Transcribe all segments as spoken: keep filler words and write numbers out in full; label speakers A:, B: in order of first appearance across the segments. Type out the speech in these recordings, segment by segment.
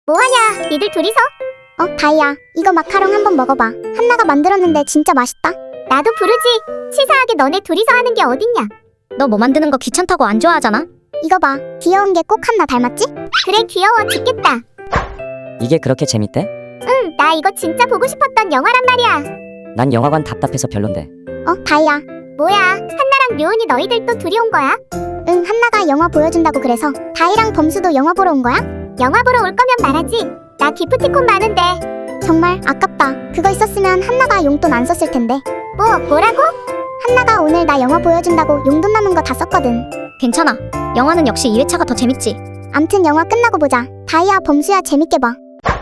A: 뭐하냐, 니들 둘이서?
B: 어, 다이야, 이거 마카롱 한번 먹어봐. 한나가 만들었는데 진짜 맛있다.
A: 나도 부르지. 치사하게 너네 둘이서 하는 게 어딨냐.
C: 너 뭐 만드는 거 귀찮다고 안 좋아하잖아?
B: 이거 봐, 귀여운 게 꼭 한나 닮았지?
A: 그래, 귀여워 죽겠다.
D: 이게 그렇게 재밌대?
A: 응, 나 이거 진짜 보고 싶었던 영화란 말이야.
D: 난 영화관 답답해서 별론데.
B: 어, 다이야,
A: 뭐야, 한나랑 류은이 너희들 또 둘이 온 거야?
B: 응, 한나가 영화 보여준다고 그래서 다이랑 범수도 영화 보러 온 거야?
A: 영화 보러 올 거면 말하지. 나 기프티콘 많은데.
B: 정말 아깝다. 그거 있었으면 한나가 용돈 안 썼을 텐데.
A: 뭐, 뭐라고?
B: 한나가 오늘 나 영화 보여준다고 용돈 남은 거 다 썼거든.
C: 괜찮아. 영화는 역시 이 회차가 더 재밌지.
B: 암튼 영화 끝나고 보자. 다이야, 범수야, 재밌게 봐.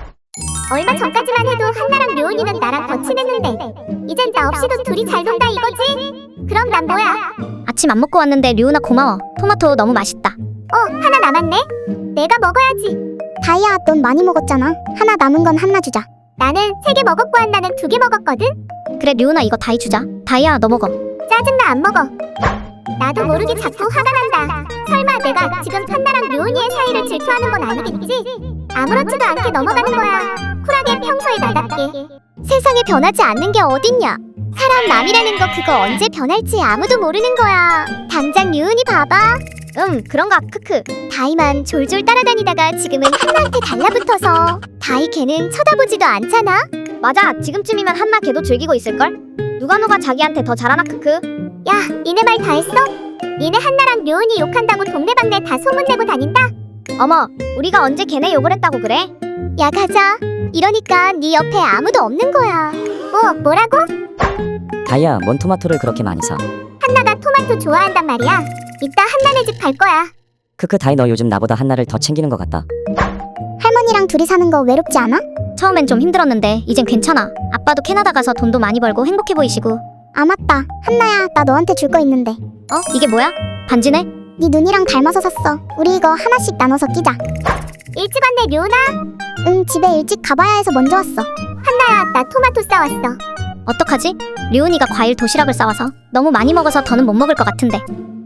A: 얼마 전까지만 해도 한나랑 류은이는 나랑 더 친했는데 이젠 나 없이도 둘이 잘 논다 이거지? 그럼 난 뭐야?
C: 아침 안 먹고 왔는데 류은아 고마워. 토마토 너무 맛있다.
A: 어, 하나 남았네? 내가 먹어야지.
B: 다이야, 넌 많이 먹었잖아. 하나 남은 건 한나 주자.
A: 나는 세 개 먹었고 한나는 두 개 먹었거든?
C: 그래 류은아 이거 다이 주자. 다이야 너 먹어.
A: 짜증나 안 먹어. 나도 모르게 자꾸 화가 난다. 설마 내가 지금 한나랑 류은이의 사이를 질투하는 건 아니겠지? 아무렇지도 않게 넘어가는 거야. 쿨하게 평소에 나답게. 세상에 변하지 않는 게 어딨냐. 사람 남이라는 거 그거 언제 변할지 아무도 모르는 거야. 당장 류은이 봐봐. 음 그런가 크크. 다이만 졸졸 따라다니다가 지금은 한나한테 달라붙어서 다이 걔는 쳐다보지도 않잖아.
C: 맞아. 지금쯤이면 한나 걔도 즐기고 있을걸? 누가 누가 자기한테 더 잘하나 크크.
A: 야, 니네 말 다 했어? 니네 한나랑 류은이 욕한다고 동네방네 다 소문내고 다닌다?
C: 어머 우리가 언제 걔네 욕을 했다고 그래?
A: 야 가자. 이러니까 네 옆에 아무도 없는 거야. 뭐, 뭐라고?
D: 다이야, 뭔 토마토를 그렇게 많이 사?
A: 한나가 토마토 좋아한단 말이야. 이따 한나네 집 갈 거야.
D: 크크, 다이 너 요즘 나보다 한나를 더 챙기는 것 같다.
B: 할머니랑 둘이 사는 거 외롭지 않아?
C: 처음엔 좀 힘들었는데 이젠 괜찮아. 아빠도 캐나다 가서 돈도 많이 벌고 행복해 보이시고.
B: 아, 맞다. 한나야, 나 너한테 줄 거 있는데.
C: 어? 이게 뭐야? 반지네?
B: 네 눈이랑 닮아서 샀어. 우리 이거 하나씩 나눠서 끼자.
A: 일찍 왔네 류은아.
B: 응, 집에 일찍 가봐야 해서 먼저 왔어.
A: 한나야, 나 토마토 싸왔어.
C: 어떡하지? 류은이가 과일 도시락을 싸와서 너무 많이 먹어서 더는 못 먹을 것 같은데.